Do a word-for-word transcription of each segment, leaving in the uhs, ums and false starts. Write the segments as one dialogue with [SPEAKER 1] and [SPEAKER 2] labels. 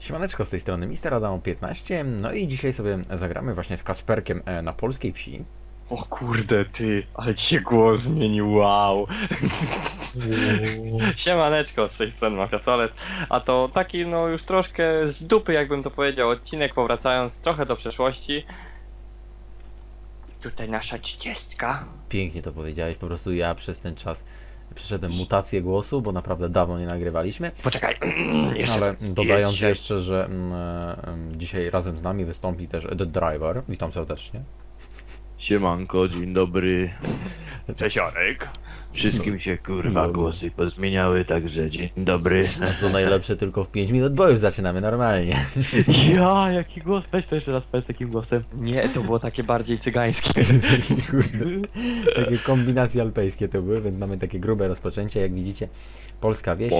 [SPEAKER 1] Siemaneczko, z tej strony mister Adam piętnaście, no i dzisiaj sobie zagramy właśnie z Kasperkiem e, na polskiej wsi.
[SPEAKER 2] O kurde ty, ale ci się głos zmienił, wow. Siemaneczko, z tej strony Mafiasolet, a to taki no już troszkę z dupy, jakbym to powiedział, odcinek powracając trochę do przeszłości. Tutaj nasza trzydziestka.
[SPEAKER 1] Pięknie to powiedziałeś, po prostu ja przez ten czas przeszedłem mutację głosu, bo naprawdę dawno nie nagrywaliśmy.
[SPEAKER 2] Poczekaj, jeszcze
[SPEAKER 1] Ale
[SPEAKER 2] tak,
[SPEAKER 1] dodając
[SPEAKER 2] jeszcze.
[SPEAKER 1] jeszcze, że mm, e, dzisiaj razem z nami wystąpi też The Driver. Witam serdecznie.
[SPEAKER 3] Siemanko, dzień dobry.
[SPEAKER 2] Cześć Jarek.
[SPEAKER 3] Wszystkim się kurwa
[SPEAKER 1] Dobry.
[SPEAKER 3] głosy pozmieniały, także dzień dobry.
[SPEAKER 1] To najlepsze tylko w pięć minut, bo już zaczynamy normalnie.
[SPEAKER 3] Ja, jaki głos? Weź to jeszcze raz powiedz takim głosem.
[SPEAKER 2] Nie, to było takie bardziej cygańskie.
[SPEAKER 1] Kurde, takie kombinacje alpejskie to były, więc mamy takie grube rozpoczęcie, jak widzicie. Polska wieś.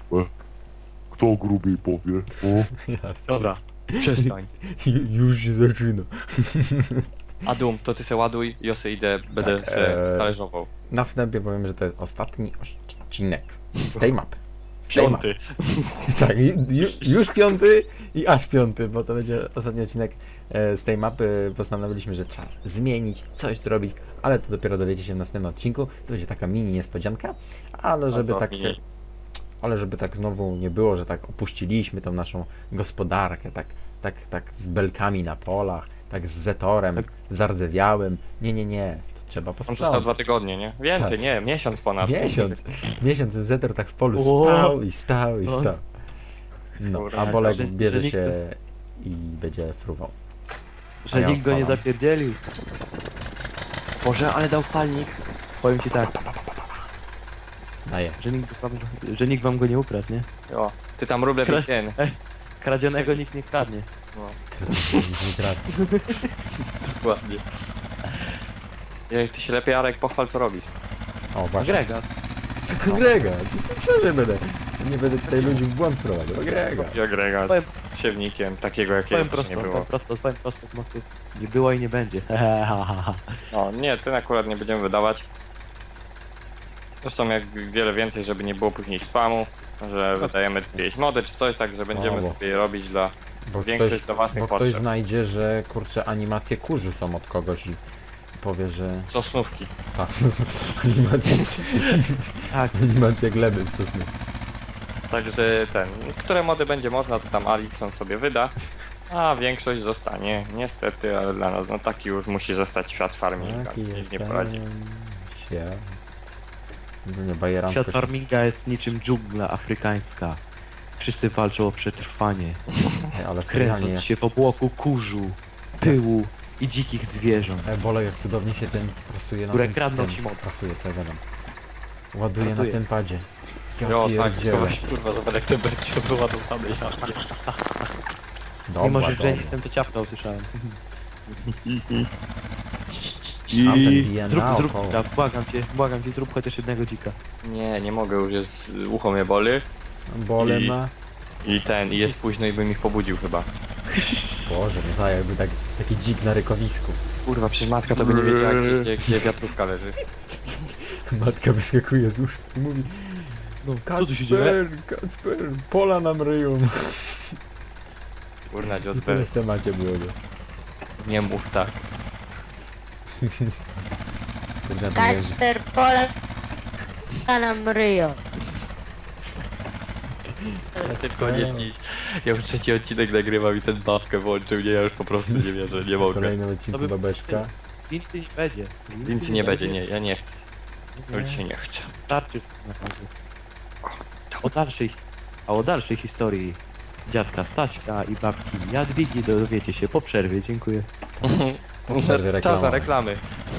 [SPEAKER 4] Kto grubiej powie? O,
[SPEAKER 2] Dobra, przestań.
[SPEAKER 1] Już się zaczyna.
[SPEAKER 2] Adum, to ty se ładuj, ja se idę, będę
[SPEAKER 1] Tak,
[SPEAKER 2] se
[SPEAKER 1] eee,
[SPEAKER 2] talerzował.
[SPEAKER 1] Na wstępie powiem, że to jest ostatni odcinek z tej mapy. Z tej
[SPEAKER 2] Piąty.
[SPEAKER 1] Mapy. Tak, ju, już piąty i aż piąty, bo to będzie ostatni odcinek e, z tej mapy. Postanowiliśmy, że czas zmienić, coś zrobić, ale to dopiero dowiecie się w następnym odcinku. To będzie taka mini niespodzianka, ale żeby
[SPEAKER 2] Bardzo
[SPEAKER 1] tak...
[SPEAKER 2] mini.
[SPEAKER 1] Ale żeby tak znowu nie było, że tak opuściliśmy tą naszą gospodarkę, tak, tak, tak z belkami na polach, tak z zetorem,
[SPEAKER 3] Tak.
[SPEAKER 1] zardzewiałym. Nie, nie, nie. To trzeba
[SPEAKER 2] On został
[SPEAKER 1] posprzątać.
[SPEAKER 2] dwa tygodnie, nie? Więcej,
[SPEAKER 1] Tak.
[SPEAKER 2] nie, miesiąc ponad.
[SPEAKER 1] Miesiąc. Miesiąc ten zetor tak w polu
[SPEAKER 3] O!
[SPEAKER 1] stał i stał i
[SPEAKER 3] O!
[SPEAKER 1] stał. No,
[SPEAKER 2] Dobra,
[SPEAKER 1] a Bolek
[SPEAKER 3] że-
[SPEAKER 1] bierze
[SPEAKER 3] że nikt-
[SPEAKER 1] się i będzie fruwał. A
[SPEAKER 3] Że
[SPEAKER 1] ja
[SPEAKER 3] nikt go nie
[SPEAKER 1] odpalam.
[SPEAKER 3] zapierdzielił.
[SPEAKER 2] Boże, ale dał falnik.
[SPEAKER 3] Powiem ci tak,
[SPEAKER 1] Daję.
[SPEAKER 3] że nikt wam, że nikt wam go nie ukradł, nie?
[SPEAKER 2] O, ty tam ruble
[SPEAKER 3] Kra-
[SPEAKER 2] ten.
[SPEAKER 3] Kradzionego nikt nie kradnie.
[SPEAKER 2] No,
[SPEAKER 1] Nie kradł.
[SPEAKER 2] dokładnie. Jak ty się lepiej, Arek, pochwal co robisz.
[SPEAKER 1] O, właśnie.
[SPEAKER 3] Grega.
[SPEAKER 1] Grega, co, co, że będę? Nie będę tutaj ludzi w błąd prowadził. O, Grega.
[SPEAKER 2] Ja Grega
[SPEAKER 3] Powiem,
[SPEAKER 2] siewnikiem, takiego jakiego
[SPEAKER 3] powiem
[SPEAKER 2] nie
[SPEAKER 3] prosto,
[SPEAKER 2] było.
[SPEAKER 3] powiem prosto, powiem prosto z mostu. Nie było i nie będzie.
[SPEAKER 2] No nie, ten akurat nie będziemy wydawać. Zresztą jak wiele więcej, żeby nie było później spamu, że wydajemy jakieś mody czy coś, tak że będziemy
[SPEAKER 1] No, bo-
[SPEAKER 2] sobie je robić dla...
[SPEAKER 1] Bo
[SPEAKER 2] Większość
[SPEAKER 1] ktoś,
[SPEAKER 2] do własnych
[SPEAKER 1] bo ktoś
[SPEAKER 2] potrzeb.
[SPEAKER 1] znajdzie, że kurczę animacje kurzy są od kogoś i powie, że...
[SPEAKER 2] Sosnówki.
[SPEAKER 1] Tak, animacje,
[SPEAKER 3] Tak,
[SPEAKER 1] animacje gleby z sosny.
[SPEAKER 2] Także ten, które mody będzie można, to tam Alixon sobie wyda, a większość zostanie, niestety, ale dla nas, no taki już musi zostać świat farminga,
[SPEAKER 1] Taki
[SPEAKER 2] nic
[SPEAKER 1] jest
[SPEAKER 2] nie
[SPEAKER 1] ten
[SPEAKER 2] poradzi.
[SPEAKER 1] świat. No nie, bajeransko
[SPEAKER 3] świat
[SPEAKER 1] się-
[SPEAKER 3] farminga jest niczym dżungla afrykańska. Wszyscy walczą o przetrwanie,
[SPEAKER 1] Ej, ale serialnie,
[SPEAKER 3] kręcąc się w obłoku kurzu, pyłu i dzikich zwierząt.
[SPEAKER 1] e, Bole, jak cudownie się ten prasuje na
[SPEAKER 3] Które
[SPEAKER 1] tym...
[SPEAKER 3] kradną
[SPEAKER 1] tym-
[SPEAKER 3] ci moc.
[SPEAKER 1] Prasuje, co ja gadam. Ładuje na
[SPEAKER 3] Pracuje.
[SPEAKER 1] tym padzie. Ja
[SPEAKER 2] Jo, tak,
[SPEAKER 1] pierdzielę.
[SPEAKER 2] to właśnie, kurwa, zobacz jak te berki są wyładowane, ja
[SPEAKER 1] Dobra,
[SPEAKER 3] Mimo, że
[SPEAKER 1] dobra.
[SPEAKER 3] Jenny jestem to ciapka usłyszałem.
[SPEAKER 1] Tam ten bije
[SPEAKER 3] Zrób, zrób
[SPEAKER 1] naokoło.
[SPEAKER 3] dzika, błagam cię, błagam cię, zrób chociaż jednego dzika.
[SPEAKER 2] Nie, nie mogę, już jest, ucho mnie boli
[SPEAKER 1] Bole
[SPEAKER 2] I-
[SPEAKER 1] ma...
[SPEAKER 2] i ten, i jest późno i bym ich pobudził chyba.
[SPEAKER 1] Boże, nie za jakby tak, taki dzik na rykowisku.
[SPEAKER 2] Kurwa, przecież matka to by nie wiedziała, gdzie, gdzie, gdzie wiatrówka leży.
[SPEAKER 1] Matka wyskakuje z łóżka i mówi:
[SPEAKER 3] No, co tu się dzieje?
[SPEAKER 1] Kacper, Kacper, pola nam ryją.
[SPEAKER 2] Kurna,
[SPEAKER 1] I tyle
[SPEAKER 2] dziotber,
[SPEAKER 1] w temacie było.
[SPEAKER 2] nie mów tak.
[SPEAKER 1] Kurde, na tym jeździ.
[SPEAKER 5] Kacper Polak nam ryją.
[SPEAKER 2] Tylko nie dziś. Ja już trzeci odcinek nagrywam i ten babkę włączył, nie, ja już po prostu nie wierzę, nie mogę.
[SPEAKER 1] Kolejny odcinku
[SPEAKER 3] To by-
[SPEAKER 1] babeczka.
[SPEAKER 3] Więcej nie będzie.
[SPEAKER 2] Nic nie będzie, nie, ja nie chcę. Już się nie chcę.
[SPEAKER 3] Starczy naprawdę. O dalszej, a o dalszej historii dziadka Staśka i babki Jadwigi dowiecie się po przerwie, dziękuję.
[SPEAKER 1] Po przerwie
[SPEAKER 2] Czas na
[SPEAKER 1] reklamowej.
[SPEAKER 2] reklamy.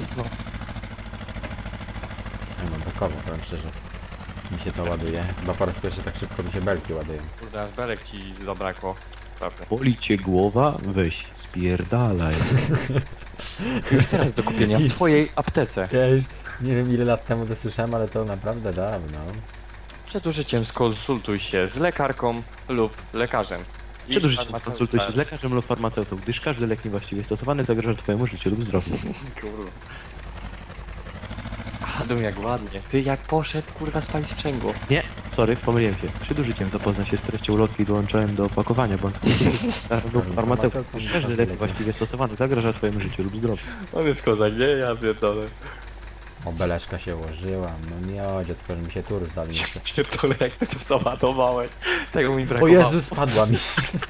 [SPEAKER 1] Ja mam takowo, powiem szczerze. Mi się to ładuje. Chyba po raz pierwszy tak szybko mi się belki ładują.
[SPEAKER 2] Kurde, aż belek ci zabrakło. Prawda.
[SPEAKER 3] Boli cię głowa? Weź spierdalaj.
[SPEAKER 2] Już teraz do kupienia w twojej aptece.
[SPEAKER 1] Ja już nie wiem ile lat temu to słyszałem, ale to naprawdę dawno.
[SPEAKER 2] Przed użyciem skonsultuj się z lekarką lub lekarzem. I
[SPEAKER 3] Przed użyciem
[SPEAKER 2] farmaceutą.
[SPEAKER 3] skonsultuj się z lekarzem lub farmaceutą, gdyż każdy lek niewłaściwie stosowany zagraża twojemu życiu lub zdrowiu.
[SPEAKER 2] Kurwa. Adam jak ładnie. Ty jak poszedł, kurwa, spalić sprzęgło.
[SPEAKER 3] Nie, sorry, pomyliłem się. Przed użyciem zapozna się z treścią ulotki i dołączałem do opakowania, bo farmaceutyk każdy lek właściwie stosowany zagraża twojemu życiu lub zdrowiu.
[SPEAKER 2] On jest kozak, nie? Ja pierdolę.
[SPEAKER 1] O, beleczka się ułożyła. No miodzie, tylko że mi się tur zdali jeszcze.
[SPEAKER 2] Pierdolę, jak ty to załadowałeś. Tego mi
[SPEAKER 1] O
[SPEAKER 2] brakowało.
[SPEAKER 1] Jezu, spadła mi.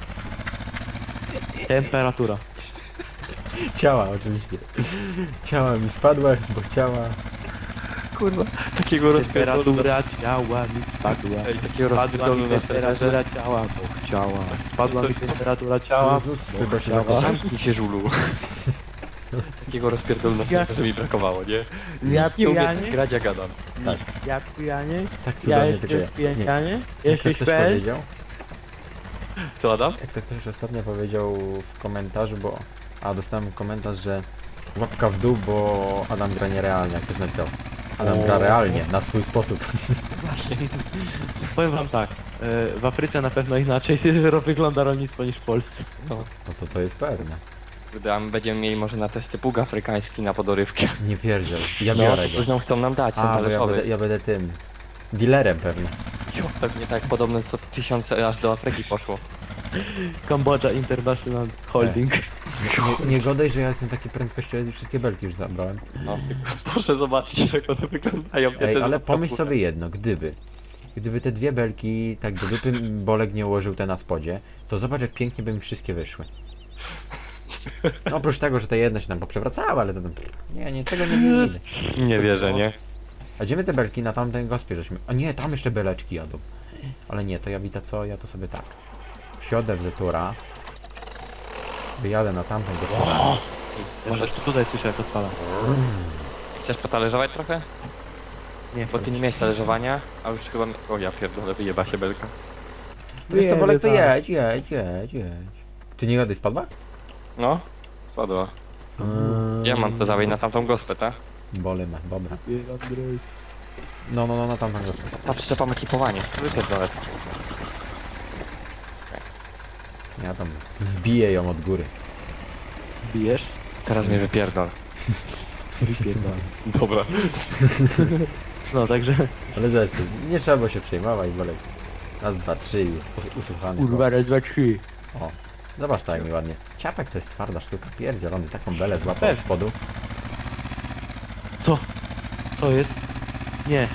[SPEAKER 3] Temperatura.
[SPEAKER 1] Ciała oczywiście. Ciała mi spadła, bo ciała...
[SPEAKER 2] Kurwa, takiego rozpierdolu.
[SPEAKER 3] Temperatura ciała mi spadła.
[SPEAKER 2] Ej, takiego
[SPEAKER 3] Spadła
[SPEAKER 2] rozpierdolu
[SPEAKER 3] mi
[SPEAKER 2] na serwerze.
[SPEAKER 3] temperatura ciała, bo chciała. Spadła mi temperatura ciała,
[SPEAKER 1] Jezus,
[SPEAKER 3] bo
[SPEAKER 1] tylko się
[SPEAKER 3] chciała.
[SPEAKER 2] Zamknij się, żulu. Takiego rozpierdolu na serwerze mi brakowało, nie?
[SPEAKER 3] Ja
[SPEAKER 2] nie umie
[SPEAKER 3] pijanie?
[SPEAKER 2] tak grać jak Adam.
[SPEAKER 3] Ja pijanie?
[SPEAKER 1] Tak
[SPEAKER 3] Ja
[SPEAKER 1] cudownie tylko
[SPEAKER 3] jestem
[SPEAKER 1] ja. Nie.
[SPEAKER 3] pijanie?
[SPEAKER 1] Jak to
[SPEAKER 3] Jesteś
[SPEAKER 1] ktoś
[SPEAKER 3] fel?
[SPEAKER 1] powiedział?
[SPEAKER 2] Co, Adam?
[SPEAKER 1] Jak to ktoś ostatnio powiedział w komentarzu, bo... A, dostałem komentarz, że łapka w dół, bo Adam gra nierealnie, jak ktoś napisał. Adam gra
[SPEAKER 3] O.
[SPEAKER 1] realnie, na swój sposób.
[SPEAKER 3] Powiem wam tak, e, w Afryce na pewno inaczej wygląda rolnictwo niż w Polsce.
[SPEAKER 2] No.
[SPEAKER 1] No to to jest pewne.
[SPEAKER 2] Kurde, a my będziemy mieli może na testy pług afrykański na podorywkę.
[SPEAKER 1] Nie pierdziel. Ja
[SPEAKER 2] No,
[SPEAKER 1] biorę
[SPEAKER 2] to
[SPEAKER 1] go.
[SPEAKER 2] coś nam chcą nam dać, ten
[SPEAKER 1] A, bo ja
[SPEAKER 2] talerzowy.
[SPEAKER 1] będę, ja będę tym... Dealerem pewnie.
[SPEAKER 2] Jo, pewnie tak, podobno co tysiące aż do Afryki poszło.
[SPEAKER 3] Kambodża International Holding.
[SPEAKER 1] Nie, nie godaj, że ja jestem taki prędkościowy i wszystkie belki już zabrałem.
[SPEAKER 2] No. Proszę zobaczyć, jak one wyglądają. Ja
[SPEAKER 1] Ej,
[SPEAKER 2] też
[SPEAKER 1] ale
[SPEAKER 2] mam
[SPEAKER 1] pomyśl
[SPEAKER 2] kapurę.
[SPEAKER 1] sobie jedno, gdyby... Gdyby te dwie belki, tak do dupy Bolek nie ułożył te na spodzie, to zobacz jak pięknie by mi wszystkie wyszły. No, oprócz tego, że te jedna się tam poprzewracały, ale to tam... Nie, nie, tego nie widzę.
[SPEAKER 2] Nie wierzę, nie?
[SPEAKER 1] A gdzie my te belki na tamtej gospie żeśmy... A nie, tam jeszcze beleczki jadą. Ale nie, to ja wita co, ja to sobie tak. Wsiodę w Zetura. Wyjadę na tamtą gospę.
[SPEAKER 3] Może tutaj słyszę jak odpala.
[SPEAKER 2] Chcesz potalerzować trochę?
[SPEAKER 3] Nie,
[SPEAKER 2] Bo ty nie miałeś talerzowania, a już chyba... O ja pierdolę, wyjeba się belka.
[SPEAKER 1] Wiesz co, Bolek, to
[SPEAKER 3] tak.
[SPEAKER 1] jedź, jedź, jedź, jedź. Ty nie gadaj, spadła?
[SPEAKER 2] No, spadła.
[SPEAKER 1] Mm.
[SPEAKER 2] Gdzie ja mam to zawieźć na tamtą gospę, tak?
[SPEAKER 1] Bole ma, dobra. No, no, no, na tamtą gospę.
[SPEAKER 2] Ta przyczepa ma ekipowanie. Wypierdolę to.
[SPEAKER 1] Ja tam wbiję ją od góry.
[SPEAKER 3] Bijesz?
[SPEAKER 2] Teraz mnie wypierdol.
[SPEAKER 3] Wypierdolę.
[SPEAKER 2] Dobra.
[SPEAKER 3] No także...
[SPEAKER 1] Ale zresztą, nie trzeba było się przejmować, Bolek. Raz, dwa, trzy i us- usłuchany.
[SPEAKER 3] Kurwa, raz, dwa, trzy.
[SPEAKER 1] O, zobacz tak jak mi ładnie. Ciapek to jest twarda sztuka, pierdzielony, taką belę złapał od spodu.
[SPEAKER 3] Co? Co jest? Nie,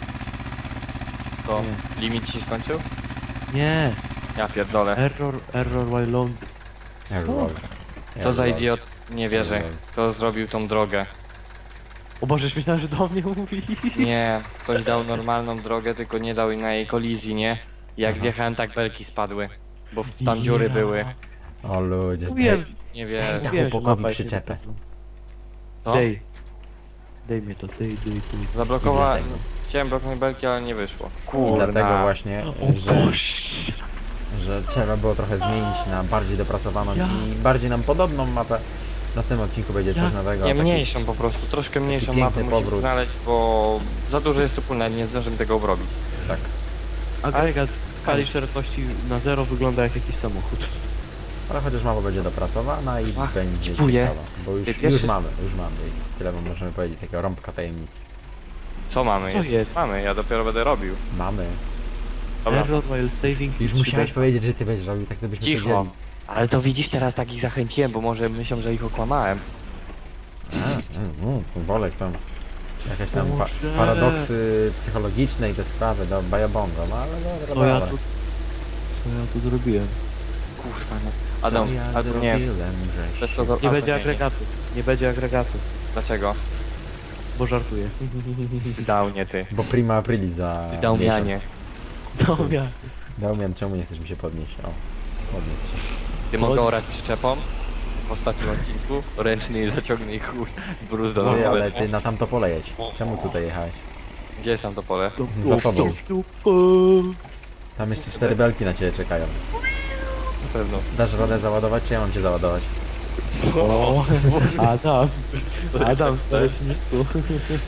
[SPEAKER 2] Co?
[SPEAKER 3] Nie.
[SPEAKER 2] Limit ci się skończył?
[SPEAKER 3] nie.
[SPEAKER 2] Ja pierdolę.
[SPEAKER 3] Error, error while load.
[SPEAKER 1] Error.
[SPEAKER 2] Co za
[SPEAKER 1] Error.
[SPEAKER 2] idiot? Nie wierzę.
[SPEAKER 1] Error.
[SPEAKER 2] Kto zrobił tą drogę?
[SPEAKER 3] O Boże, myślałem, że do mnie mówi.
[SPEAKER 2] Nie, ktoś dał normalną drogę, tylko nie dał na jej kolizji, nie? Jak
[SPEAKER 1] Aha.
[SPEAKER 2] wjechałem, tak belki spadły. Bo w- tam dziury były.
[SPEAKER 1] O ludzie,
[SPEAKER 3] Mówiłem.
[SPEAKER 1] daj,
[SPEAKER 2] Nie
[SPEAKER 1] Ej,
[SPEAKER 2] wierzę.
[SPEAKER 1] ja-
[SPEAKER 3] Wiem, że
[SPEAKER 1] chłopakowi
[SPEAKER 3] mapa jest
[SPEAKER 1] przyczepę.
[SPEAKER 3] niedopasowna.
[SPEAKER 2] To?
[SPEAKER 3] Dej. Dej mnie to, dej, dej, dej.
[SPEAKER 2] Zablokowałem.
[SPEAKER 1] I dlatego.
[SPEAKER 2] Chciałem blokować belki, ale nie wyszło.
[SPEAKER 1] I
[SPEAKER 2] Kurna.
[SPEAKER 1] dlatego właśnie,
[SPEAKER 3] O
[SPEAKER 1] że,
[SPEAKER 3] Boże.
[SPEAKER 1] że trzeba było trochę zmienić na bardziej dopracowaną
[SPEAKER 3] Ja.
[SPEAKER 1] i bardziej nam podobną mapę. W następnym odcinku będzie coś
[SPEAKER 3] Ja.
[SPEAKER 1] nowego.
[SPEAKER 2] Nie,
[SPEAKER 1] taki-
[SPEAKER 2] mniejszą po prostu, troszkę mniejszą
[SPEAKER 1] piękny
[SPEAKER 2] mapę musimy
[SPEAKER 1] powrót.
[SPEAKER 2] znaleźć, bo za dużo jest tu pól, nawet nie zdążymy tego obrobić.
[SPEAKER 1] Tak.
[SPEAKER 3] Agregat w skali szerokości na zero wygląda jak jakiś samochód.
[SPEAKER 1] Ale chociaż mapa będzie dopracowana i
[SPEAKER 2] Ach,
[SPEAKER 1] będzie
[SPEAKER 2] dziękuję.
[SPEAKER 1] ciekawa. Bo już,
[SPEAKER 2] Ty
[SPEAKER 1] już
[SPEAKER 2] pierwszy-
[SPEAKER 1] mamy, już mamy. I tyle wam możemy powiedzieć, takiego rąbka tajemnic.
[SPEAKER 2] Co mamy?
[SPEAKER 3] Co jest?
[SPEAKER 2] Mamy, ja dopiero będę robił.
[SPEAKER 1] Mamy.
[SPEAKER 2] Dobra.
[SPEAKER 3] Error while saving.
[SPEAKER 1] Już
[SPEAKER 3] is
[SPEAKER 1] musiałeś
[SPEAKER 3] trzy
[SPEAKER 1] powiedzieć, że ty będziesz robił, tak to byśmy
[SPEAKER 2] Cicho.
[SPEAKER 1] powiedzieli.
[SPEAKER 2] Ale to widzisz, teraz tak ich zachęciłem, bo może myślą, że ich okłamałem.
[SPEAKER 1] A, mm, mm, Bolek tam. Jakieś tam pa
[SPEAKER 3] Boże.
[SPEAKER 1] paradoksy psychologiczne i te sprawy do bajabongo, no ale dobra,
[SPEAKER 3] Co ja
[SPEAKER 1] dobra.
[SPEAKER 3] tu... Co ja tu zrobiłem?
[SPEAKER 2] Kurwa no. Adam,
[SPEAKER 1] Co ja
[SPEAKER 2] Adam nie.
[SPEAKER 1] zrobiłem, żeś
[SPEAKER 2] Bez
[SPEAKER 1] się-
[SPEAKER 2] to za...
[SPEAKER 3] Nie
[SPEAKER 2] a,
[SPEAKER 3] będzie
[SPEAKER 2] nie,
[SPEAKER 3] agregatu. Nie będzie agregatu.
[SPEAKER 2] Dlaczego?
[SPEAKER 3] Bo żartuję.
[SPEAKER 2] Dał nie ty.
[SPEAKER 1] Bo prima aprilis za
[SPEAKER 2] Dał
[SPEAKER 1] miesiąc.
[SPEAKER 2] mianie.
[SPEAKER 3] Dobra.
[SPEAKER 1] Daumian, czemu nie chcesz mi się podnieść? O, podnieś się.
[SPEAKER 2] Ty mogę orać przyczepą? W ostatnim odcinku. Ręczny zaciągnę i chuj. Bruz do
[SPEAKER 1] Ty, ale
[SPEAKER 2] domu.
[SPEAKER 1] ty na tamto pole jedź. Czemu tutaj jechałeś?
[SPEAKER 2] Gdzie jest tam to pole?
[SPEAKER 1] Za tobą.
[SPEAKER 3] Super.
[SPEAKER 1] Tam jeszcze cztery belki na ciebie czekają.
[SPEAKER 2] Na pewno.
[SPEAKER 1] Dasz radę załadować, czy ja mam cię załadować?
[SPEAKER 3] O, Adam. Adam w leczniku.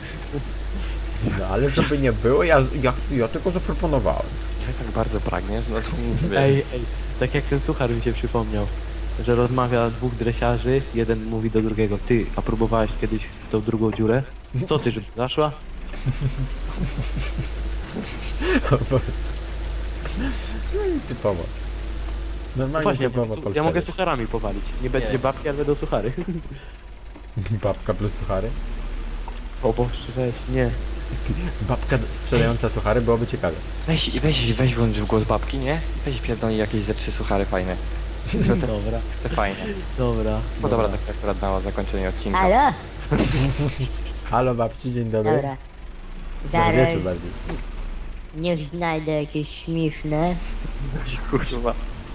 [SPEAKER 1] No ale żeby nie było, ja, ja, ja tylko zaproponowałem.
[SPEAKER 2] Jak tak bardzo pragniesz, no to
[SPEAKER 3] Ej, ej, tak jak ten suchar mi się przypomniał, że rozmawia dwóch dresiarzy, jeden mówi do drugiego, ty, a próbowałeś kiedyś w tą drugą dziurę? Co ty, żeby zaszła?
[SPEAKER 1] O Boże. No i typowo.
[SPEAKER 3] No
[SPEAKER 1] Normalnie
[SPEAKER 3] właśnie, ja,
[SPEAKER 1] typowo
[SPEAKER 3] mogę,
[SPEAKER 1] polska
[SPEAKER 3] ja mogę
[SPEAKER 1] wieś.
[SPEAKER 3] sucharami powalić. Nie będzie
[SPEAKER 2] Nie.
[SPEAKER 3] babki, ale będą suchary.
[SPEAKER 1] Babka plus suchary.
[SPEAKER 3] O Boże, weź, nie.
[SPEAKER 1] Babka sprzedająca suchary byłoby ciekawe.
[SPEAKER 2] Weź, weź, weź włącz w głos babki, nie? Weź pierdolnij jakieś ze trzy suchary fajne. No te,
[SPEAKER 3] Dobra,
[SPEAKER 2] te fajne.
[SPEAKER 3] dobra.
[SPEAKER 2] No dobra, tak akurat na zakończenie odcinka.
[SPEAKER 5] Halo?
[SPEAKER 1] Halo babci, dzień dobry.
[SPEAKER 5] Dobra.
[SPEAKER 1] Dobry
[SPEAKER 5] Zaraz
[SPEAKER 1] wieczór bardziej.
[SPEAKER 5] niech znajdę jakieś śmieszne.
[SPEAKER 2] Kurwa.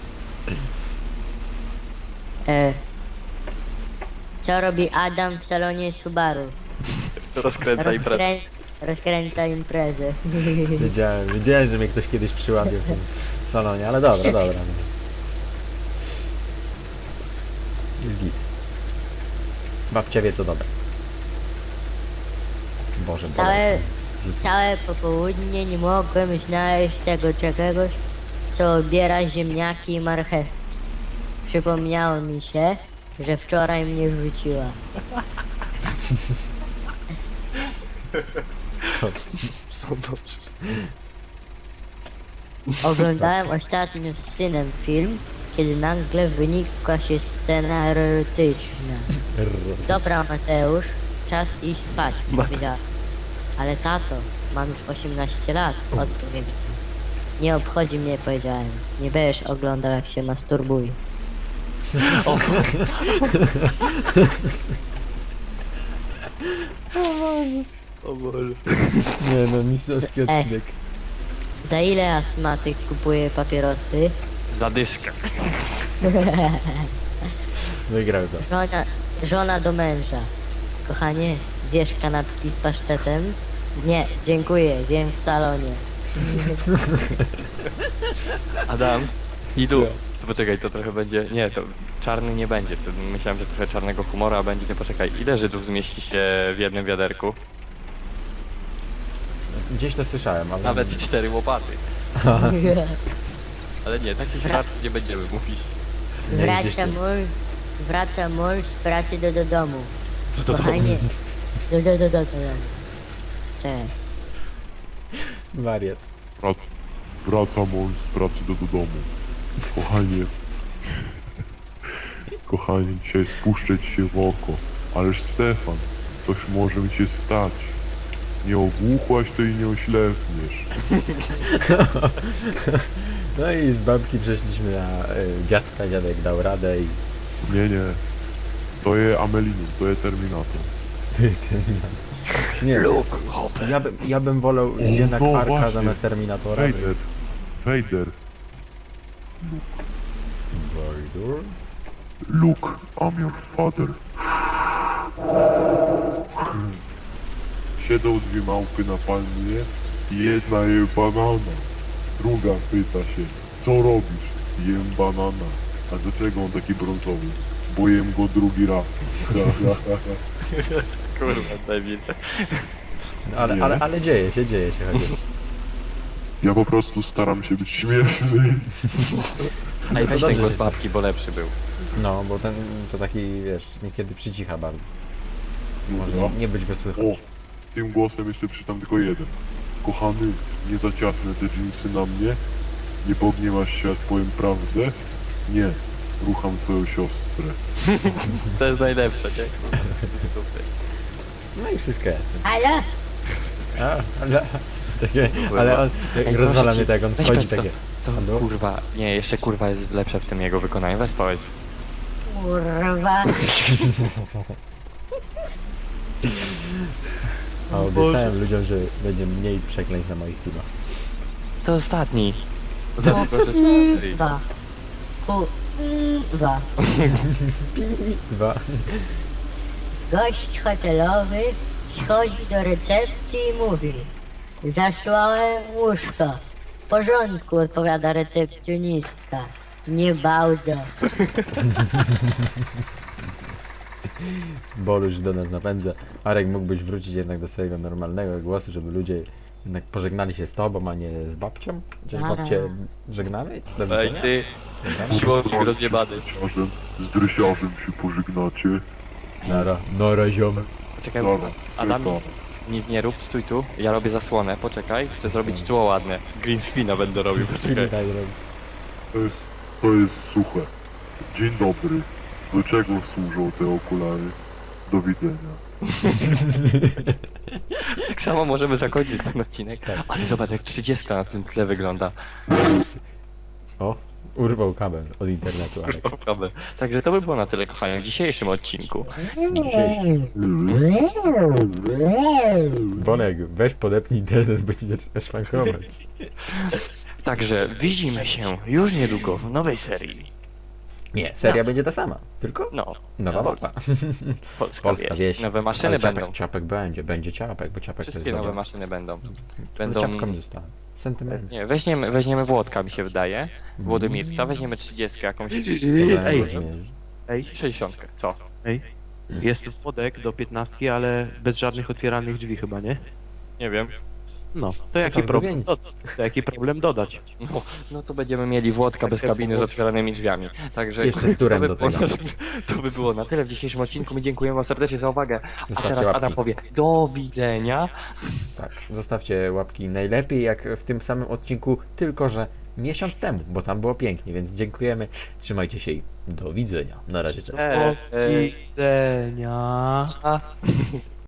[SPEAKER 5] E, co robi Adam w salonie Subaru?
[SPEAKER 2] Rozkręca i pre...
[SPEAKER 5] Rozkrę... Rozkręca imprezę.
[SPEAKER 1] Wiedziałem, wiedziałem, że mnie ktoś kiedyś przyłapie w tym salonie, ale dobra, dobra. No. Jest git. Babcia wie co dobre. Boże,
[SPEAKER 5] Całe,
[SPEAKER 1] Boże. Rzucę.
[SPEAKER 5] całe popołudnie nie mogłem znaleźć tego czegoś, co obiera ziemniaki i marchewki. Przypomniało mi się, że wczoraj mnie wrzuciła.
[SPEAKER 2] Są dobrze.
[SPEAKER 5] Oglądałem ostatnio z synem film, kiedy nagle wynikła się scena erotyczna. Dobra Mateusz, czas iść spać, powiedziała. Ale tato, mam już osiemnaście lat, odpowiedział. Nie obchodzi mnie, powiedziałem. Nie będziesz oglądał jak się masturbuje.
[SPEAKER 2] O Boże.
[SPEAKER 1] Nie no, mistrzowski
[SPEAKER 5] Ej.
[SPEAKER 1] odcinek.
[SPEAKER 5] Za ile astmatyk kupuje papierosy?
[SPEAKER 2] Zadyszka.
[SPEAKER 1] Wygrał to.
[SPEAKER 5] Żona, żona do męża. Kochanie, zjesz kanapki z pasztetem? Nie, dziękuję, zjem w salonie.
[SPEAKER 2] Adam. I tu. To poczekaj, to trochę będzie... Nie, to czarny nie będzie. To myślałem, że trochę czarnego humoru, a będzie... Nie, poczekaj. Ile Żydów zmieści się w jednym wiaderku?
[SPEAKER 1] Gdzieś to słyszałem, ale...
[SPEAKER 2] Nawet cztery łopaty. Ale nie, takich żart nie będziemy mówić.
[SPEAKER 1] Nie, gdzieś
[SPEAKER 5] Wraca
[SPEAKER 1] tu.
[SPEAKER 5] mąż, wraca mąż z pracy do, do domu.
[SPEAKER 2] Do domu.
[SPEAKER 5] Kochanie, do, do, do, do, do domu. Cześć.
[SPEAKER 1] Wariat.
[SPEAKER 4] Wrac, wraca mąż z pracy do, do domu. Kochanie. Kochanie, dzisiaj spuszczę ci się w oko. Ależ Stefan, coś może mi się stać. Nie ogłuchłaś, to i nie oślepniesz.
[SPEAKER 1] No i z babki przeszliśmy na y, dziadka, dziadek dał radę i...
[SPEAKER 4] Nie, nie. To jest Amelinum, to jest Terminator.
[SPEAKER 1] Ty, ty, nie. Ja, bym, ja bym wolał jednak
[SPEAKER 4] no
[SPEAKER 1] Arka
[SPEAKER 4] właśnie.
[SPEAKER 1] zamiast Terminatora.
[SPEAKER 4] Vader. Vader.
[SPEAKER 1] Vader?
[SPEAKER 4] Luke, I'm your father. Siedzą dwie małpy na palmie i jedna je banana. Druga pyta się, co robisz? Jem banana. A dlaczego on taki brązowy? Bo jem go drugi raz.
[SPEAKER 2] Kurwa, debil.
[SPEAKER 1] No, ale,
[SPEAKER 4] Nie.
[SPEAKER 1] ale, ale dzieje się, dzieje się chociaż.
[SPEAKER 4] Ja po prostu staram się być śmieszny.
[SPEAKER 2] A i weź
[SPEAKER 1] dobrze,
[SPEAKER 2] ten głos
[SPEAKER 1] że-
[SPEAKER 2] babki, bo lepszy był.
[SPEAKER 1] No, bo ten to taki, wiesz, niekiedy przycicha bardzo. Może
[SPEAKER 4] No.
[SPEAKER 1] nie być go słychać.
[SPEAKER 4] O, tym głosem jeszcze przeczytam tylko jeden. Kochany, nie za ciasne te dżinsy na mnie. Nie pogniewasz się, jak powiem prawdę. Nie, rucham twoją siostrę.
[SPEAKER 2] To jest najlepsze, nie? Super.
[SPEAKER 1] No i wszystko jasne.
[SPEAKER 5] Halo?
[SPEAKER 1] A, ale, takie, ale on,
[SPEAKER 2] Ej,
[SPEAKER 1] rozwala
[SPEAKER 2] proszę
[SPEAKER 1] mnie
[SPEAKER 2] cię,
[SPEAKER 1] tak, on
[SPEAKER 2] weź
[SPEAKER 1] wchodzi
[SPEAKER 2] powiedz
[SPEAKER 1] takie...
[SPEAKER 2] To, to
[SPEAKER 1] Halo?
[SPEAKER 2] kurwa, nie, jeszcze kurwa jest lepsze w tym jego wykonaniu, weź powiedz.
[SPEAKER 5] Kurwa.
[SPEAKER 1] A obiecałem ludziom, że będzie mniej przekleństw na moich filmach.
[SPEAKER 2] To ostatni.
[SPEAKER 5] No,
[SPEAKER 2] Dlatego, że stary.
[SPEAKER 5] Kurwa. Kurwa.
[SPEAKER 1] Dwa.
[SPEAKER 5] Gość hotelowy schodzi do recepcji i mówi: zasłałem łóżko. W porządku, odpowiada recepcjonistka. Nie bałdzo.
[SPEAKER 1] Boluś do nas napędza. Arek, mógłbyś wrócić jednak do swojego normalnego głosu, żeby ludzie jednak pożegnali się z tobą, a nie z babcią? Chociaż
[SPEAKER 5] Dobra.
[SPEAKER 1] babcię żegnamy? Do
[SPEAKER 2] Ej
[SPEAKER 1] widzenia?
[SPEAKER 2] ty,
[SPEAKER 1] Dobra.
[SPEAKER 2] siłownik rozjebany.
[SPEAKER 4] Z drysiarzem, z drysiarzem się pożegnacie.
[SPEAKER 1] Nara, nara ziomek.
[SPEAKER 2] Czekaj,
[SPEAKER 4] Dobra,
[SPEAKER 2] Adam,
[SPEAKER 4] tylko.
[SPEAKER 2] nic nie rób, stój tu, ja robię zasłonę, poczekaj, chcę zrobić tło ładne. Green screena będę robił, poczekaj.
[SPEAKER 1] Daj robić.
[SPEAKER 4] To jest, to jest suche. Dzień dobry. Do czego służą te okulary? Do widzenia.
[SPEAKER 2] Tak samo możemy zakończyć ten odcinek. Ale zobacz jak trzydziestka na tym tle wygląda.
[SPEAKER 1] O, urwał kabel od internetu, Alek.
[SPEAKER 2] Prawda. Także to by było na tyle, kochani, w dzisiejszym odcinku.
[SPEAKER 1] Dzisiejszy. Bonek, weź podepnij internet, bo ci zaczyna szwankować.
[SPEAKER 2] Także widzimy się już niedługo w nowej serii.
[SPEAKER 1] Nie, seria będzie ta sama, tylko
[SPEAKER 2] No,
[SPEAKER 1] nowa
[SPEAKER 2] Polska.
[SPEAKER 1] mapa.
[SPEAKER 2] Polska,
[SPEAKER 1] Polska
[SPEAKER 2] wieś.
[SPEAKER 1] wieś.
[SPEAKER 2] Nowe maszyny
[SPEAKER 1] Ale
[SPEAKER 2] będą.
[SPEAKER 1] ciapek, ciapek będzie, będzie ciapek, bo ciapek to
[SPEAKER 2] Wszystkie
[SPEAKER 1] jest
[SPEAKER 2] nowe
[SPEAKER 1] dobra.
[SPEAKER 2] maszyny będą.
[SPEAKER 1] Będą...
[SPEAKER 2] Będą...
[SPEAKER 1] Ciapka mi została. Sentyment.
[SPEAKER 2] Nie, weźmiemy, weźmiemy Włodka mi się wydaje. Włodymirca, weźmiemy trzydziestkę jakąś.
[SPEAKER 3] Ej,
[SPEAKER 1] Ej,
[SPEAKER 3] ej,
[SPEAKER 2] sześćdziesiątkę, co?
[SPEAKER 3] ej. Jest tu spodek do piętnastki, ale bez żadnych otwieranych drzwi chyba, nie?
[SPEAKER 2] Nie wiem.
[SPEAKER 3] No, to jaki
[SPEAKER 1] czas
[SPEAKER 3] problem?
[SPEAKER 1] zmienić.
[SPEAKER 3] Do, to jaki problem dodać?
[SPEAKER 2] No, no to będziemy mieli Włodka bez kabiny z otwieranymi drzwiami. Także
[SPEAKER 1] Jeszcze z turem
[SPEAKER 2] to by
[SPEAKER 1] do
[SPEAKER 2] było
[SPEAKER 1] tego.
[SPEAKER 2] na- To by było na tyle w dzisiejszym odcinku. My dziękujemy wam serdecznie za uwagę. A
[SPEAKER 1] Zostawcie
[SPEAKER 2] teraz
[SPEAKER 1] łapki.
[SPEAKER 2] Adam powie do widzenia.
[SPEAKER 1] Tak, zostawcie łapki najlepiej jak w tym samym odcinku, tylko że miesiąc temu, bo tam było pięknie, więc dziękujemy. Trzymajcie się i do widzenia. Na razie. Cześć.
[SPEAKER 3] Do widzenia.